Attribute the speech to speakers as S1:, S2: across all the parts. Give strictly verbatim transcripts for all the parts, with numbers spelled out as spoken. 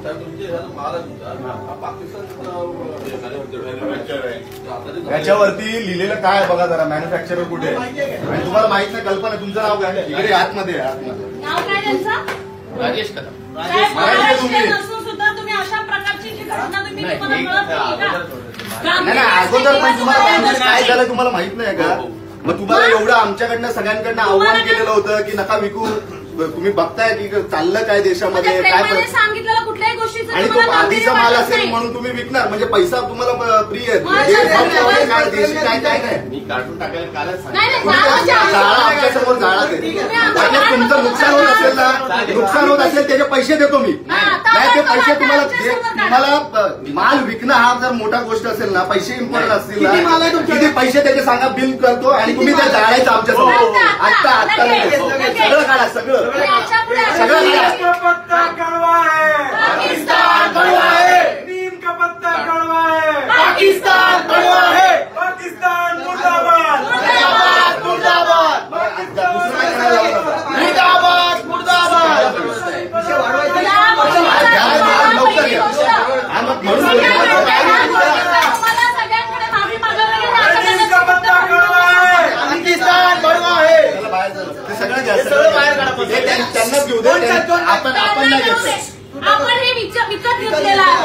S1: याच्यावरती लिहिलेलं काय आहे बघा जरा, मॅन्युफॅक्चरर कुठे आहे आणि तुम्हाला माहित नाही, कल्पना तुमचं नाव काय इकडे आतमध्ये
S2: नाव काय त्यांचं?
S3: राजेश कदम.
S2: सुद्धा तुम्ही अशा प्रकारची जी घटना तुम्ही तुम्हाला कळत
S1: नाही ना, अगोदर पण तुम्हाला काय झालं तुम्हाला माहित नाही का? मग तुम्हाला एवढं आमच्याकडनं सगळ्यांकडनं आव्हान केलेलं होतं की नका विकू, तुम्ही बघताय की चाललं काय देशामध्ये काय
S2: सांगितलेलं कुठल्याही गोष्टीचं
S1: आणि तो आधीचा माल असेल म्हणून तुम्ही विकणार म्हणजे पैसा तुम्हाला प्रिय आहे काय देशी काय काय नाही.
S3: मी काढून टाकायला कालच
S1: जाळा आमच्यासमोर जाळा ते म्हणजे तुमचं नुकसान होत असेल ना, नुकसान होत असेल त्याचे पैसे देतो मी. नाही ते पैसे तुम्हाला तुम्हाला माल विकणं हा जर मोठा गोष्ट असेल ना, पैसे इम्पॉर्टंट असतील ना, किती पैसे त्याचे सांगा, बिल करतो आणि तुम्ही ते जाळायचं आमच्यासमोर. आत्ता आत्ता सगळं काढा, सगळं सगळं
S4: का पत्ता कड़वा है,
S2: पाकिस्तान कड़वा है,
S4: नीम का पत्ता कड़वा है,
S2: पाकिस्तान कड़वा है,
S4: पाकिस्तान मुर्दाबाद,
S2: मुर्दाबाद मुर्दाबाद मुर्दाबाद मुर्दाबाद.
S1: लवकर घ्या.
S2: सगळ्यांकडे माफी मागावी
S4: नीम का पत्ता कड़वा है,
S2: पाकिस्तान कड़वा है.
S1: ते सगळं घ्या, सगळं त्यांनाच घेऊ दे. आपण आपण नाही घेतो.
S2: आपण हे विकत घेतलेलं आहे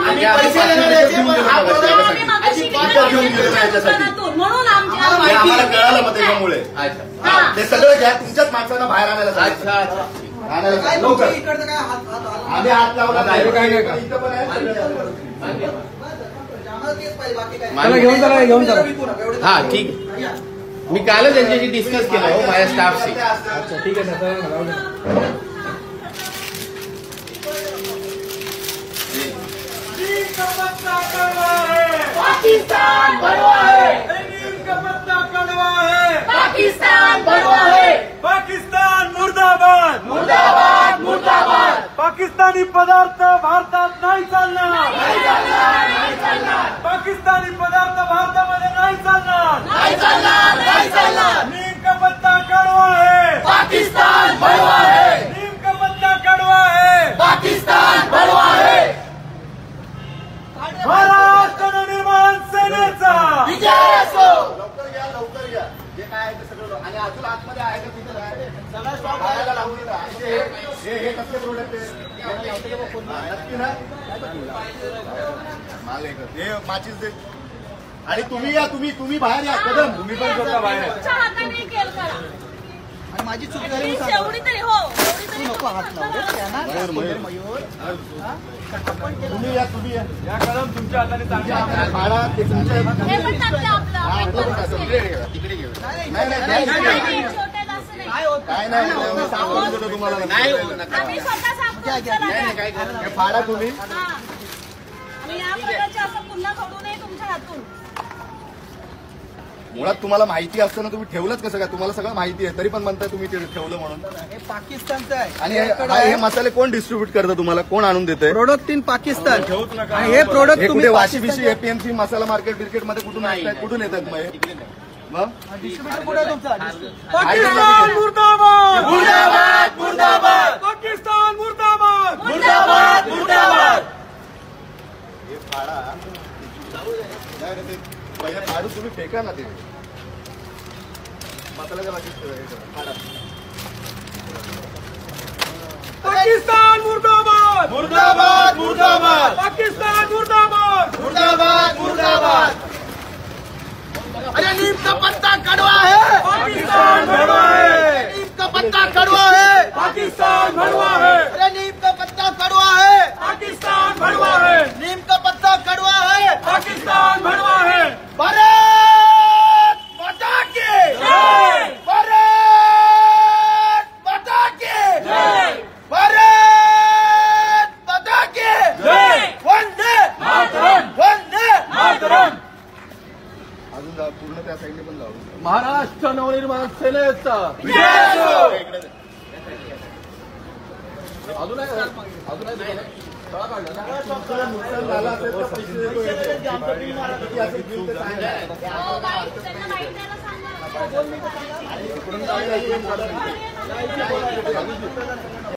S2: म्हणून
S1: आम्हाला कळालं मग त्याच्यामुळे ते सगळं घ्या. तुमच्याच माणसांना बाहेर आणायला आणायला लवकर. आम्ही हात लावला काय नाही का इथं पण आहे.
S3: मला घेऊन चला, घेऊन चला. हा ठीक आहे, मी कालच त्यांच्याशी डिस्कस केलं हो माझ्या स्टाफशी.
S4: अच्छा ठीक आहे सर. नीम का पत्ता कड़वा है,
S2: पाकिस्तान कड़वा है,
S4: नीम का पत्ता कड़वा है,
S2: पाकिस्तान कड़वा है,
S4: पाकिस्तान मुर्दाबाद,
S2: मुर्दाबाद मुर्दाबाद.
S4: पाकिस्तानी पदार्थ भारतात नाही चालणार,
S2: नाही चालणार, नाही चालणार,
S4: पाकिस्तानी पदार्थ भारतामध्ये नाही चालणार,
S2: नाही चालणार, नाही चालणार.
S4: नीम का पत्ता कड़वा है,
S2: पाकिस्तान कड़वा है,
S4: नीम का पत्ता कड़वा है,
S2: पाकिस्तान कड़वा है.
S4: महाराष्ट्र नवनिर्माण सेनेचा
S2: विजय असो.
S1: लवकर घ्या, लवकर घ्या. जे काय आहे ते सगळं आणि अजून आतमध्ये आहे का तिथं सगळा स्टॉक बाहेर लावून देता. हे हे कसले प्रोडक्ट आहे नक्की ना? माल आहे का? हे माचीस दे. आणि तुम्ही या, तुम्ही तुम्ही बाहेर या. कदम तुम्ही पण स्वतः बाहेर या.
S2: तुमच्या हाताने केल करा.
S5: आणि माझी चूक झाली
S2: एवढी तरी हो, एवढी तरी
S5: नको हात लावू.
S1: मयूर मयूर तुम्ही या, तुम्ही या.
S4: या कदम तुमच्या हाताने चांगल्या
S1: फाडा ते तुमच्या
S2: हे पण चांगलं आपलं आपण पण
S1: तिकडे घेऊ. नाही नाही
S2: नाही,
S1: नाही, नाही.
S2: छोटे दास नाही.
S5: काय होत
S1: काय नाही मी सांगून देतो तुम्हाला.
S3: नाही हो, नका.
S2: आम्ही स्वतः साफ करू. चला
S3: नाही
S2: द्या.
S3: नाही, काय करा.
S1: हे फाडा तुम्ही.
S2: हा. आणि या प्रकारचे असं पुन्हा घडू नये तुमच्या हातून.
S1: मुळात तुम्हाला माहिती असताना तुम्ही ठेवलंच कसं काय? तुम्हाला सगळं माहिती आहे तरी पण म्हणताय तुम्ही ते ठेवलं म्हणून.
S5: हे पाकिस्तानचं आहे
S1: आणि हे हे मसाले कोण डिस्ट्रीब्यूट करतं तुम्हाला? कोण आणून देते?
S5: Product in Pakistan.
S4: ठेवूच नका.
S5: आणि हे प्रोडक्ट
S1: हे
S5: तुम्ही
S1: कुठे वाशी बिशी एपीएमसी मसाला मार्केट बिर्केट मध्ये कुठून आणताय? कुठून येतात मग हे? मग
S5: डिस्ट्रीब्युटर कुठे आहे तुमचा?
S4: पाकिस्तान मुर्दाबाद,
S2: मुर्दाबाद मुर्दाबाद
S4: पाकिस्तान मुर्दाबाद,
S2: मुर्दाबाद मुर्दाबाद.
S1: हे फाडा नाही रे, ते पहिले फाडू तुम्ही फेका ना ते मसाल्याच्या बाजूला हे करा, फाडा.
S4: पाकिस्तान मुर्दाबाद,
S1: मुर्दाबाद मुर्दाबाद
S4: पाकिस्तान मुर्दाबाद,
S1: मुर्दाबाद मुर्दाबाद.
S5: अरे नीम का पत्ता कड़वा है,
S4: पाकिस्तान भड़वा है,
S5: नीम का पत्ता कड़वा है,
S4: पाकिस्तान भड़वा है,
S5: अरे नीम का पत्ता कड़वा है,
S4: पाकिस्तान भड़वा है,
S5: नीम का पत्ता कड़वा है.
S4: पाकिस्तान भड़वा है.
S5: भारत माता की
S4: जय,
S5: भारत माता की
S4: जय,
S5: भारत माता की
S4: जय.
S5: वंदे
S4: मातरम,
S5: वंदे
S4: मातरम.
S1: अजून जा, पूर्ण त्या साईडने पण जाऊ.
S3: महाराष्ट्र नवनिर्माण सेनेचा
S4: विजय असो.
S3: अजून आहे अजून आहे तळा काढला ना?
S1: नुकसान झालं असेल तर पैसे देतो येतो. किती असेल बिल ते सांगा.
S2: हो, बाई, त्यांना माहिती द्यायला सांगा.
S1: इकडून जायला इकडून जायला.